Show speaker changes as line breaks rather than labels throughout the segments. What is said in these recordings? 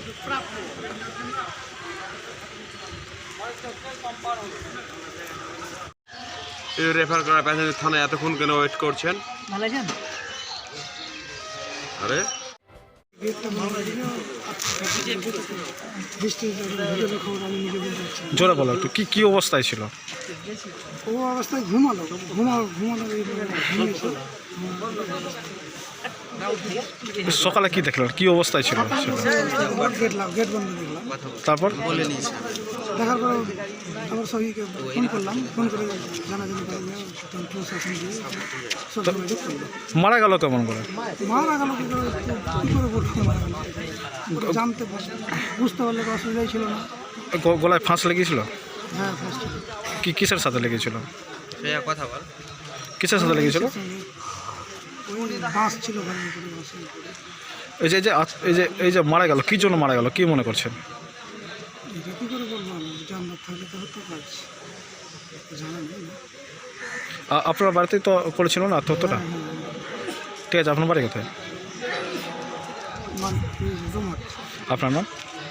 Refer করা passenger থানায় এতক্ষণ কেন ওয়েট করছেন?
ভালো আছেন?
আরে
জোরে বলো একটু, কি অবস্থায় ছিল?
ও অবস্থায় ঘুমানো
সকালে কি দেখলেন, কি অবস্থায় ছিল?
গেট বন্ধ দেখলাম।
তারপর
দেখার পরে আমার সহিকে ফোন করলাম, ফোন করে জানাজানি করলাম, প্রশাসন দিয়ে সব যোগাযোগ করলো।
মারা গেল কেমন করে?
মারা গেল কী করে বলতে মারা গেল জানতে বুঝতে পারলে অসুবিধাই ছিল না।
গলায় ফাঁস লেগেছিল?
হ্যাঁ ফার্স্ট ছিল।
কিসের সাথে লেগেছিল?
কথা বল।
কিসের সাথে লেগেছিল?
ওই বাস ছিল ভালো করে বাসে।
এই যে মারা গেল, কি জন্য মারা গেল, কি মনে করছেন?
এটা কী করে বলবো আমি, জানলাম থাকলে তো হতে পারছি, জানা নেই না।
আপনার বাড়িতেই তো করেছিল না আত্মহত্যাটা? ঠিক আছে, আপনার বাড়ি কোথায়? আপনার নাম?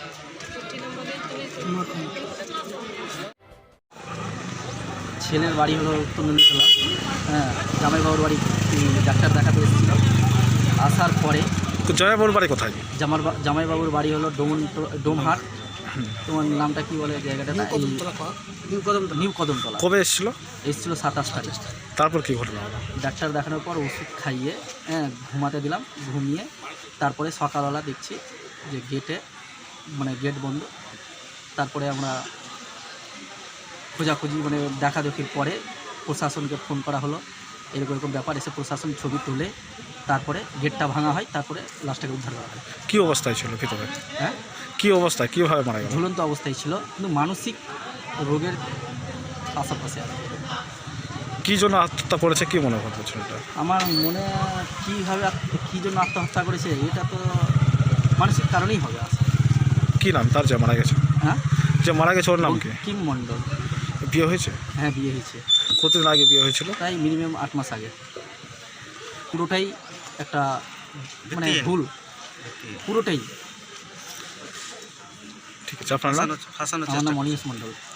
ছেলের বাড়ি হলো উত্তর নন্দীতলা। হ্যাঁ, জামাইবাবুর বাড়ি ডাক্তার দেখাতে এসেছিল। আসার পরে
জয়াবুর বাড়ি কোথায়?
জামাইবাবুর বাড়ি হলো ডোমহাট। তোমার নামটা কি বলে জায়গাটা? নিউ কদমতলা।
কবে এসেছিল?
27 তারিখ।
তারপর কি ঘটনা হলো?
ডাক্তার দেখানোর পর ওষুধ খাইয়ে ঘুমাতে দিলাম, ঘুমিয়ে তারপরে সকালবেলা দেখছি যে গেট বন্ধ। তারপরে আমরা খোঁজাখুঁজি দেখাদেখির পরে প্রশাসনকে ফোন করা হলো, এরকম ব্যাপার। এসে প্রশাসন ছবি তুলে তারপরে গেটটা ভাঙা হয়, তারপরে লাশটাকে উদ্ধার করা হয়।
কী অবস্থায় ছিল ভিতরে?
হ্যাঁ,
কী অবস্থায়, কীভাবে মারা গেল?
ঝুলন্ত অবস্থায় ছিল, কিন্তু মানসিক রোগের আশেপাশে আর
কী জন্য আত্মহত্যা করেছে, কী মনে করছেন এটা?
আমার মনে কী জন্য আত্মহত্যা করেছে, এটা তো মানসিক কারণেই হবে।
কী নাম তার যে মারা গেছে?
হ্যাঁ,
যে মারা গেছে ওর নাম কি?
কিম মণ্ডল।
বিয়ে হয়েছে?
হ্যাঁ, বিয়ে হয়েছে।
কতদিন আগে বিয়ে হয়েছিল?
তাই মিনিমাম 8 মাস আগে। পুরোটাই একটা ভুল, পুরোটাই।
ঠিক আছে, আপনার নাম?
আমার নাম অনিমেষ মণ্ডল।